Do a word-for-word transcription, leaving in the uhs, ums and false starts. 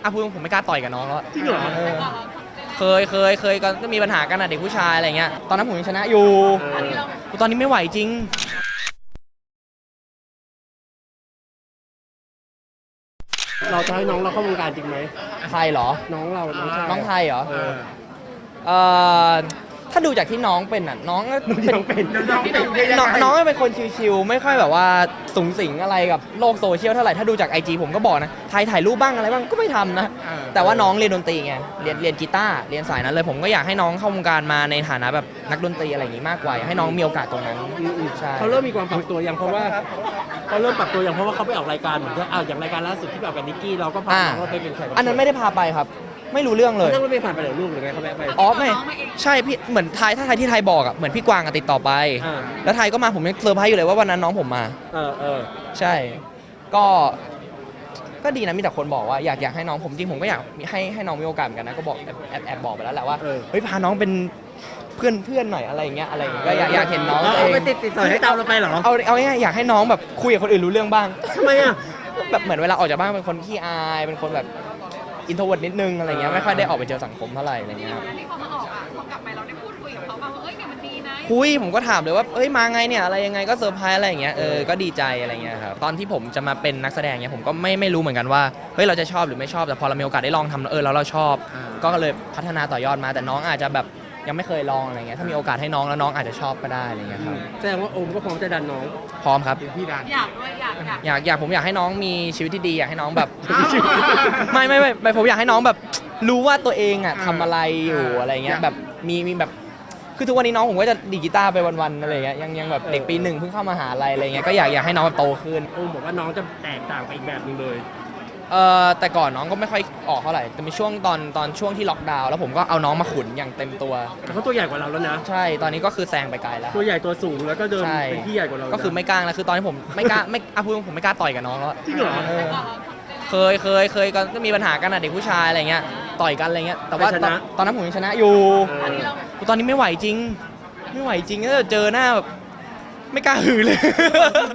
อ่ะพูดผมไม่กล้าต่อยกับน้องแล้วจริงเหรอเคยเคยเคยก็มีปัญหากันอะเด็กผู้ชายอะไรเงี้ยตอนนั้นผมยังชนะอยู่ตอนนี้ไม่ไหวจริงเราจะให้น้องเราเข้าวงการจริงไหมไทยเหรอน้องเราน้องชายน้องไทยเหรอเออเอ่อถ้าดูจากที่น้องเป็นอ่ะน้องก็น้องเป็นน้องเป็นน้องน้องเป็นคนชิวๆไม่ค่อยแบบว่าสูงสิงอะไรกับโลกโซเชียลเท่าไหร่ถ้าดูจาก ไอ จี ผมก็บอกนะถ่ายถ่ายรูปบ้างอะไรบ้างก็ไม่ทำนะแต่ว่าน้องเรียนดนตรีไงเรียนเรียนกีตาร์เรียนสายนั้นเลยผมก็อยากให้น้องเข้าวงการมาในฐานะแบบนักดนตรีอะไรอย่างงี้มากกว่าอยากให้น้องมีโอกาสตรงนั้นใช่เขาเริ่มมีความปรับตัวอย่างเพราะว่าเขาเริ่มปรับตัวอย่างเพราะว่าเขาไปออกรายการเหมือนอ่าอย่างรายการล่าสุดที่แบบกับนิกกี้เราก็พาน้องเราไปเป็นแขกรับเชิญอันนั้นไม่ได้พาไปครับไม่รู้เรื่องเลยนั่งรถเมล์ผ่านไปเหรอลูกหรือไงเขาแวะไปอ๋อไม่ใช่พี่เหมือนไทยถ้าไทยที่ไทยบอกอ่ะเหมือนพี่กวางติดต่อไปแล้วไทยก็มาผมยังเซอร์ไพรส์อยู่เลยว่าวันนั้นน้องผมมาเออเออใช่ก็ก็ดีนะมีแต่คนบอกว่าอยากอยากให้น้องผมจริงผมก็อยากให้ให้น้องมีโอกาสเหมือนกันนะก็บอกแอบแอบบอกไปแล้วแหละว่าเฮ้ยพาน้องเป็นเพื่อนเพื่อนหน่อยอะไรอย่างเงี้ยอะไรอย่างเงี้ยก็อยากอยากเห็นน้องเองไปติดติดต่อให้ตามเราไปเหรอเอาเอาง่ายๆอยากให้น้องแบบคุยกับคนอื่นรู้เรื่องบ้างทำไมอ่ะแบบเหมือนเวลาออกจากบ้านเป็นคนขี้อายเป็นคนแบบอินโทรเวิร์ตนิดนึงอะไรเงี้ยไม่ค่อยได้ออกไปเจอสังคมเท่าไหร่อะไรเงี้ยที่เขามาออกอ่ะพอกลับไปเราได้พูดคุยกับเขาบ้างว่าเอ้ยเนี่ยมันดีนะคุยผมก็ถามเลยว่าเอ้ยมาไงเนี่ยอะไรยังไงก็เซอร์ไพรส์อะไรอย่างเงี้ยเออก็ดีใจอะไรเงี้ยครับตอนที่ผมจะมาเป็นนักแสดงเนี่ยผมก็ไม่ไม่รู้เหมือนกันว่าเฮ้ยเราจะชอบหรือไม่ชอบแต่พอเรามีโอกาสได้ลองทำเออแล้วเราชอบก็เลยพัฒนาต่อยอดมาแต่น้องอาจจะแบบยังไม่เคยลองอะไรเงี้ยถ้ามีโอกาสให้น้องแล้วน้องอาจจะชอบก็ได้อะไรเงี้ยครับแสดงว่าโอมก็พร้อมจะดันน้องพร้อมครับพี่ดันอยากด้วยอยากอยากอยากอยากผมอยากให้น้องมีชีวิตที่ดีอยากให้น้องแบบไม่ไม่ไม่ผมอยากให้น้องแบบรู้ว่าตัวเองอ่ะทำอะไรอยู่อะไรเงี้ยแบบมีมีแบบคือทุกวันนี้น้องผมก็จะดีดกีตาร์ไปวันๆอะไรเงี้ยยังยังแบบเด็กปีหนึ่งเพิ่งเข้ามหาลัยอะไรเงี้ยก็อยากอยากให้น้องโตขึ้นโอมบอกว่าน้องจะแตกต่างไปอีกแบบนึงเลยเอ่อแต่ก่อนน้องก็ไม่ค่อยออกเท่าไหร่แต่มีช่วงตอนตอนช่วงที่ล็อกดาวน์แล้วผมก็เอาน้องมาขุนอย่างเต็มตัวแต่เขาตัวใหญ่กว่าเราแล้วนะใช่ตอนนี้ก็คือแซงไปไกลแล้วตัวใหญ่ตัวสูงแล้วก็เดินเป็นที่ใหญ่กว่าเราก็คือไม่กล้าแล้วคือตอนนี้ผมไม่กล้าไม่อ่ะพูดผมไม่กล้าต่อยกับน้องแล้วจริงเหรอเคยเคยเคยก็มีปัญหากันอะเด็กผู้ชายอะไรเงี้ยต่อยกันอะไรเงี้ยแต่ว่าตอนนั้นผมยังชนะอยู่ตอนนี้ไม่ไหวจริงไม่ไหวจริงถ้าเจอหน้าแบบไม่กล้าหือเลย